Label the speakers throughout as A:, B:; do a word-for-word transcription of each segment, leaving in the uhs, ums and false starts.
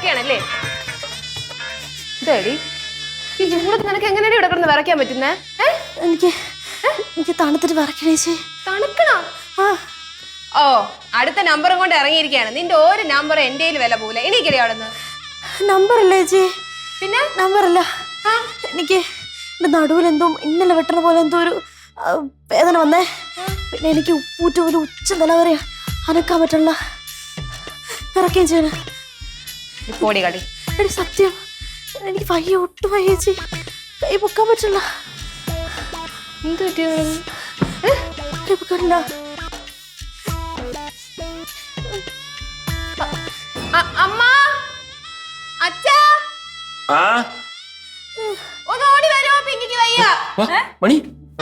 A: വിറയ്ക്കുകയാണല്ലേ? ഇതേടി ഈ ചൂടത്ത് നിനക്ക് എങ്ങനെയാണ് ഇവിടെ കിടന്ന് വിറയ്ക്കാൻ പറ്റുന്നേ?
B: എനിക്ക് എനിക്ക് തണുത്തിട്ട് വിറയ്ക്കണേച്ചി.
A: തണുക്കണോ? ഓ, അടുത്ത നമ്പറും കൊണ്ട് ഇറങ്ങിയിരിക്കുകയാണ്. നിന്റെ ഒരു നമ്പർ എന്റെ വില പോലെ. എനിക്കറിയാം അവിടെ നിന്ന്
B: നമ്പർ അല്ലേ ചേച്ചി?
A: പിന്നെ
B: നമ്പർ അല്ല, എനിക്ക് എന്റെ നടുവിൽ എന്തോ ഇന്നലെ വെട്ടണ പോലെ എന്തോ ഒരു വേദന വന്നേ. പിന്നെ എനിക്ക് ഉപ്പൂറ്റ ഒരു ഉച്ച നില വരെ അനക്കാൻ പറ്റുള്ള വിറക്കുകയും ചെയ്യണ.
A: പോടി കളി.
B: എടി സത്യം, എനിക്ക് വയ്യ, ഒട്ടും വയ്യ ചേച്ചി. കൈ പൊക്കാൻ പറ്റില്ല.
A: എന്ത് പറ്റിയ?
B: കൈ പൊക്കാനില്ല.
A: അമ്മ, അച്ഛാ, ഒന്ന് ഓടി വരുമോ? പിങ്കിക്ക് വയ്യ.
C: മണി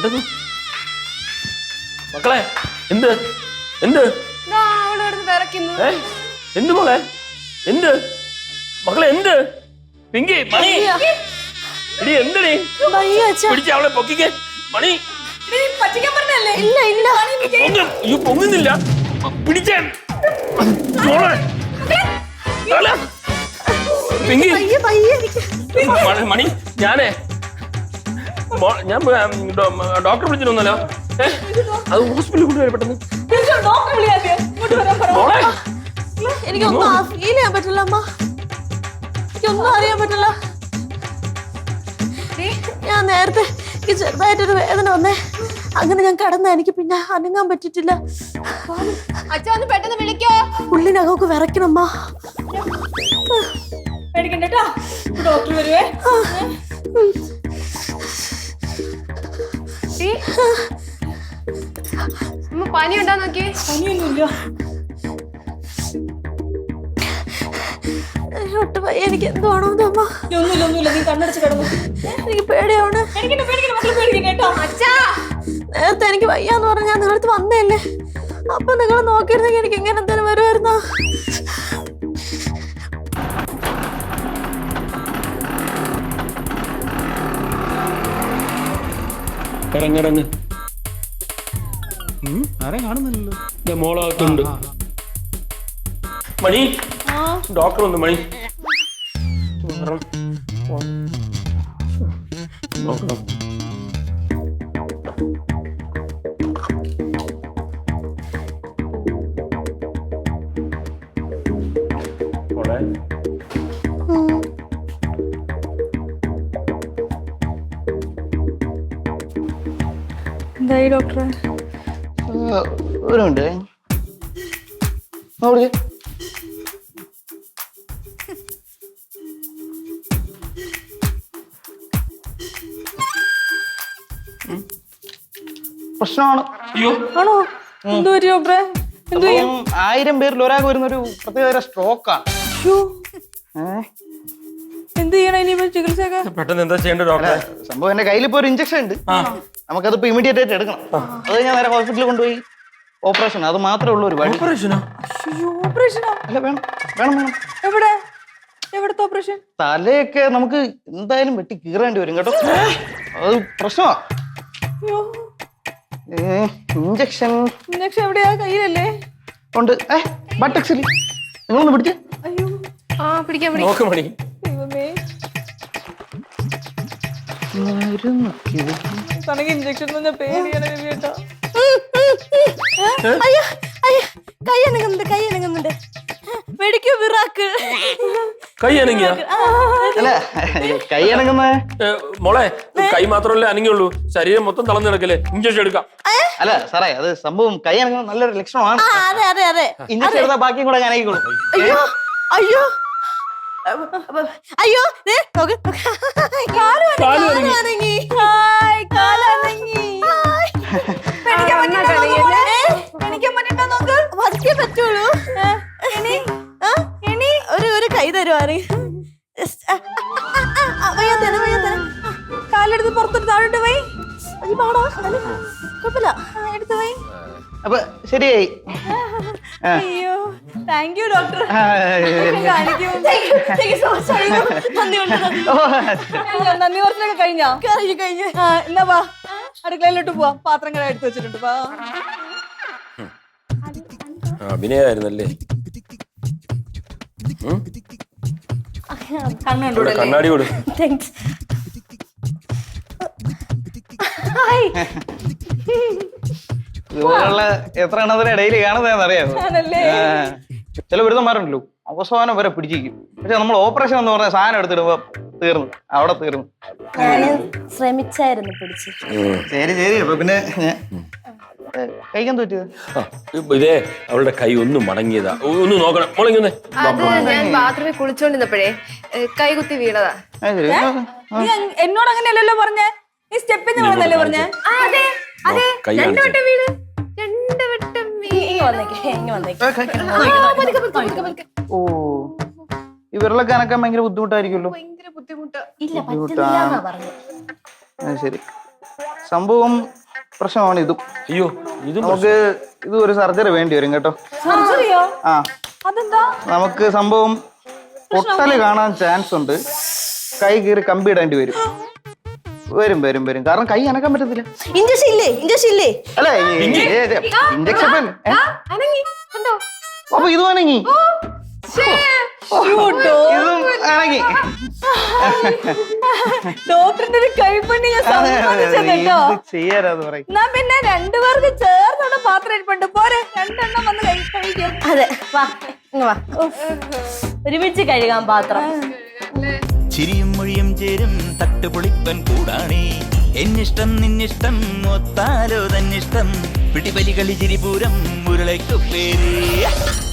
C: മക്കളെ, എന്ത് എന്ത്
A: അവിടെ വിറയ്ക്കുന്നു.
C: എന്ത് മോളെ? എന്ത് മക്കളെ? എന്ത് പിങ്കി? മണി എടി എന്തടി? പിടിച്ച അവളെ പൊക്കിക്കേ. മണി
B: ഇല്ല ഇല്ല
C: അയ്യോ, പൊങ്ങുന്നില്ല. പിടിച്ചേ മോളെ. പിങ്കി മണി, ഞാനേ ഞാൻ ഡോക്ടറെ വിളിച്ചിട്ടൊന്നല്ലോ. അത് ഹോസ്പിറ്റലിൽ കൊണ്ടുവരാൻ പെട്ടെന്ന്.
B: എനിക്കൊന്നും ഫീൽ ചെയ്യാൻ പറ്റില്ല അമ്മ. എനിക്കൊന്നും അറിയാൻ പറ്റില്ല. ഞാൻ നേരത്തെ എനിക്ക് ചെറുതായിട്ടൊരു വേദന വന്നേ. അങ്ങനെ ഞാൻ കടന്ന എനിക്ക് പിന്നെ അനങ്ങാൻ പറ്റിട്ടില്ല.
A: അച്ഛാ ഒന്ന് പെട്ടെന്ന് വിളിക്കോ.
B: ഉള്ളിനകമൊക്കെ വിറയ്ക്കണമ്മ.
D: പേടിക്കണ്ടേട്ടാ, ഡോക്ടർ വരുവേ.
A: പനി ഉണ്ടോ നോക്കി?
D: പനിയൊന്നുമില്ല.
B: ഒട്ടും വയ്യ. എനിക്ക് എന്താണോ അമ്മ?
D: ഒന്നുമില്ല ഒന്നുമില്ല, നീ കണ്ണടച്ച് കിടന്നു.
B: എനിക്ക് പേടിയാണ്.
D: പേടിക്കണ്ട പേടിക്കണ്ട മക്കളെ, പേടിക്കണ്ടേട്ടോ.
A: അച്ഛാ,
B: നേരത്തെ എനിക്ക് വയ്യാന്ന് പറഞ്ഞ ഞാൻ നിങ്ങളടുത്ത് വന്നേല്ലേ. അപ്പൊ നിങ്ങൾ നോക്കിയിരുന്നെങ്കിൽ എനിക്ക് ഇങ്ങനെ എന്തെങ്കിലും വരുമായിരുന്നോ?
C: ഇറങ്ങിറങ്ങ്.
E: ആരെയും കാണുന്നില്ലല്ലോ.
C: മോളകത്തുണ്ട്. മണി, ഡോക്ടർ വന്നു. മണി നോക്കണം. മോളെ
D: എന്തായി ഡോക്ടറെ?
E: ഒരു മിനിറ്റ് നോക്കി. പ്രശ്നമാണ്.
D: ആണോ? എന്ത് പറ്റി ഡോക്ടറെ? എന്ത് ചെയ്യാം?
E: ആയിരം പേരിൽ ഒരാൾക്ക് വരുന്നൊരു പ്രത്യേക സ്ട്രോക്കാണ്.
D: എന്ത് ചെയ്യണം ഇനി ചികിത്സയൊക്കെ?
C: പെട്ടെന്ന് എന്താ ചെയ്യേണ്ടത് ഡോക്ടറെ?
E: സംഭവം എന്റെ കയ്യിൽ ഇപ്പൊ ഒരു ഇഞ്ചക്ഷൻ ഉണ്ട്. നമുക്കതിപ്പോ ഇമീഡിയറ്റ് ആയിട്ട് എടുക്കണം. അത് ഞാൻ നേരെ ഹോസ്പിറ്റലിൽ കൊണ്ടുപോയി ഓപ്പറേഷൻ. അത് മാത്രമേ ഉള്ളൂ ഒരു വഴി.
C: ഓപ്പറേഷനോ?
E: ഓപ്പറേഷനോ? അല്ല, വേണം വേണം വേണം.
D: എവിടെ എവിടത്തെ ഓപ്പറേഷൻ?
E: തലയൊക്കെ നമുക്ക് എന്തായാലും വെട്ടി കീറേണ്ടി വരും കേട്ടോ. അത് പ്രശ്നമാ. ഇഞ്ചക്ഷൻ
D: ഇഞ്ചക്ഷൻ എവിടെയാ? കയ്യിലല്ലേ?
E: ഉണ്ട്. ഏ ബട്ടക്സിൽ. നിങ്ങളൊന്ന് പിടിച്ചേ.
D: അയ്യോ,
A: ആ പിടിക്കാൻ
C: നോക്ക് മണി.
D: ദൈവമേ, തനക്ക് ഇഞ്ചക്ഷൻ പേടിയാണ് കേട്ടോ.
B: അയ്യോ അയ്യോ, കൈ അനങ്ങുന്നുണ്ട്, കൈ അനങ്ങുന്നുണ്ട്. വെടിക്കൂ വിറാക്ക്.
C: കൈ അനങ്ങിയ?
E: അല്ല, കൈ അനങ്ങുന്ന
C: മോളെ, കൈ മാത്രമല്ലേ അനങ്ങിയുള്ളൂ, ശരീരം മൊത്തം തളർന്നു കിടക്കല്ലേ. ഇഞ്ചക്ഷൻ എടുക്കാം.
E: അല്ല സാറേ, അത് സംഭവം കൈ അനങ്ങുന്ന നല്ലൊരു ലക്ഷണമാണ്.
B: അതെ അതെ അതെ.
E: ഇഞ്ചക്ഷൻ എടുത്താൽ ബാക്കിയും കൂടെ ഞാൻ അനങ്ങിക്കോളൂ.
B: അയ്യോ അയ്യോ അയ്യോ, പറ്റുള്ളൂ. ഒരു ഒരു കൈ തരുവാണ്.
D: കാലെടുത്ത് പുറത്തോട്ട് താഴോട്ട് പോയി.
B: കുഴപ്പമില്ല, എടുത്തു പോയി.
E: അപ്പൊ ശരിയായി.
D: അയ്യോ, താങ്ക് യു ഡോക്ടർ. നന്ദി കുറച്ചൊക്കെ കഴിഞ്ഞോ?
B: കഴിഞ്ഞു കഴിഞ്ഞു.
D: എന്നാ വാ, അടുക്കളയിലോട്ട് പോവാം. പാത്രങ്ങൾ എടുത്തു വെച്ചിട്ടുണ്ട്. വാ.
C: അഭിനയായിരുന്നല്ലേ?
B: കണ്ണു
C: ഇവിടെ കണ്ണാടി കൊടു.
B: താങ്ക്സ്. ഹായ്.
E: ഇതുപോലുള്ള എത്ര എണ്ണത്തിനെ ഡെയിലി കാണുന്നതെന്ന് അറിയാമോ? ചില ബിരുദന്മാരുണ്ടല്ലോ അവസാനം വരെ പിടിച്ചിരിക്കും. പക്ഷെ നമ്മൾ ഓപ്പറേഷൻ എന്ന് പറഞ്ഞ സാധനം എടുത്തിടുമ്പോ തീർന്നു, അവിടെ തീർന്നു.
B: ഞാൻ ശ്രമിച്ചായിരുന്നു പിടിച്ച്.
E: ശരി ശരി. അപ്പൊ പിന്നെ ഞാൻ കഴിക്കാൻ പറ്റിയത്
C: ആ, ഇതേ അവളുടെ കൈ ഒന്ന് മടങ്ങിയതാ. ഒന്ന് നോക്കണം. മുളങ്ങി വന്നേ.
A: അത് ഞാൻ ബാത്റൂമിൽ കുളിച്ചോണ്ടിരുന്നപ്പോഴേ കൈ കുത്തി വീണതാ.
D: നീ അങ്- എന്നോട് അങ്ങനെയല്ലല്ലോ പറഞ്ഞേ, നീ സ്റ്റെപ്പിന്ന് വീണെന്നല്ലേ പറഞ്ഞേ?
A: ആ, അതെ അതെ
C: കൈ
A: രണ്ടു
C: കാണിച്ചു.
A: വട്ടം വീണ് രണ്ടു വട്ടം
B: ഇങ്ങ് വന്നേക്ക്, ഇങ്ങ് വന്നേക്ക്.
E: ഓ ഈ വിരലൊക്കെ അനക്കാൻ ഭയങ്കര ബുദ്ധിമുട്ടായിരിക്കുമല്ലോ.
A: ഭയങ്കര ബുദ്ധിമുട്ടാ.
B: ഇല്ല പറ്റുന്നില്ലാന്നാ പറഞ്ഞു.
E: ആ, ശരി. സംഭവം പ്രശ്നമാണ് ഇതും.
C: അയ്യോ ഇത്
E: നമുക്ക് ഇത് ഒരു സർജറി വേണ്ടി വരും കേട്ടോ.
D: സർജറിയോ?
E: ആ
D: അതെന്താ?
E: നമുക്ക് സംഭവം പൊട്ടല് കാണാൻ ചാൻസ് ഉണ്ട്. കൈ കീറി കമ്പി ഇടേണ്ടി വരും. വരും വരും വരും കാരണം കൈ അനക്കാൻ പറ്റത്തില്ല.
B: ഇഞ്ചക്ഷൻ ഇല്ലേ? ഇഞ്ചക്ഷൻ ഇല്ലേ?
E: അല്ലേ ഇഞ്ചക്ഷൻ
A: അനങ്ങി കണ്ടോ?
E: അപ്പൊ ഇതും അനങ്ങി, ഇതും അനങ്ങി.
D: ഡോക്ടറിന്റെ ഒരു കൈപ്പണി ഞാൻ സമ്മതിച്ചത് കേട്ടോ.
E: ചെയ്യാരാന്ന് പറയും.
D: എന്നാ പിന്നെ രണ്ടുപേർക്ക് ചേർന്നുള്ള പാത്രം ഇരിപ്പുണ്ട്, പോരെ രണ്ടെണ്ണം വന്ന് കഴി- കഴിക്കും.
B: അതെ വാ, ഇങ്ങ് വാ. ഒരുമിച്ച് കഴുകാൻ പാത്രം.
F: ചിരിയും മൊഴിയും ചേരും തട്ടുപൊളിപ്പൻ കൂടാണേ. എന്നിഷ്ടം നിന്നിഷ്ടം ഒത്താലോ തന്നിഷ്ടം പിടിപലി കളി ചിരിപൂരം മുരളയ്ക്കു പേര്.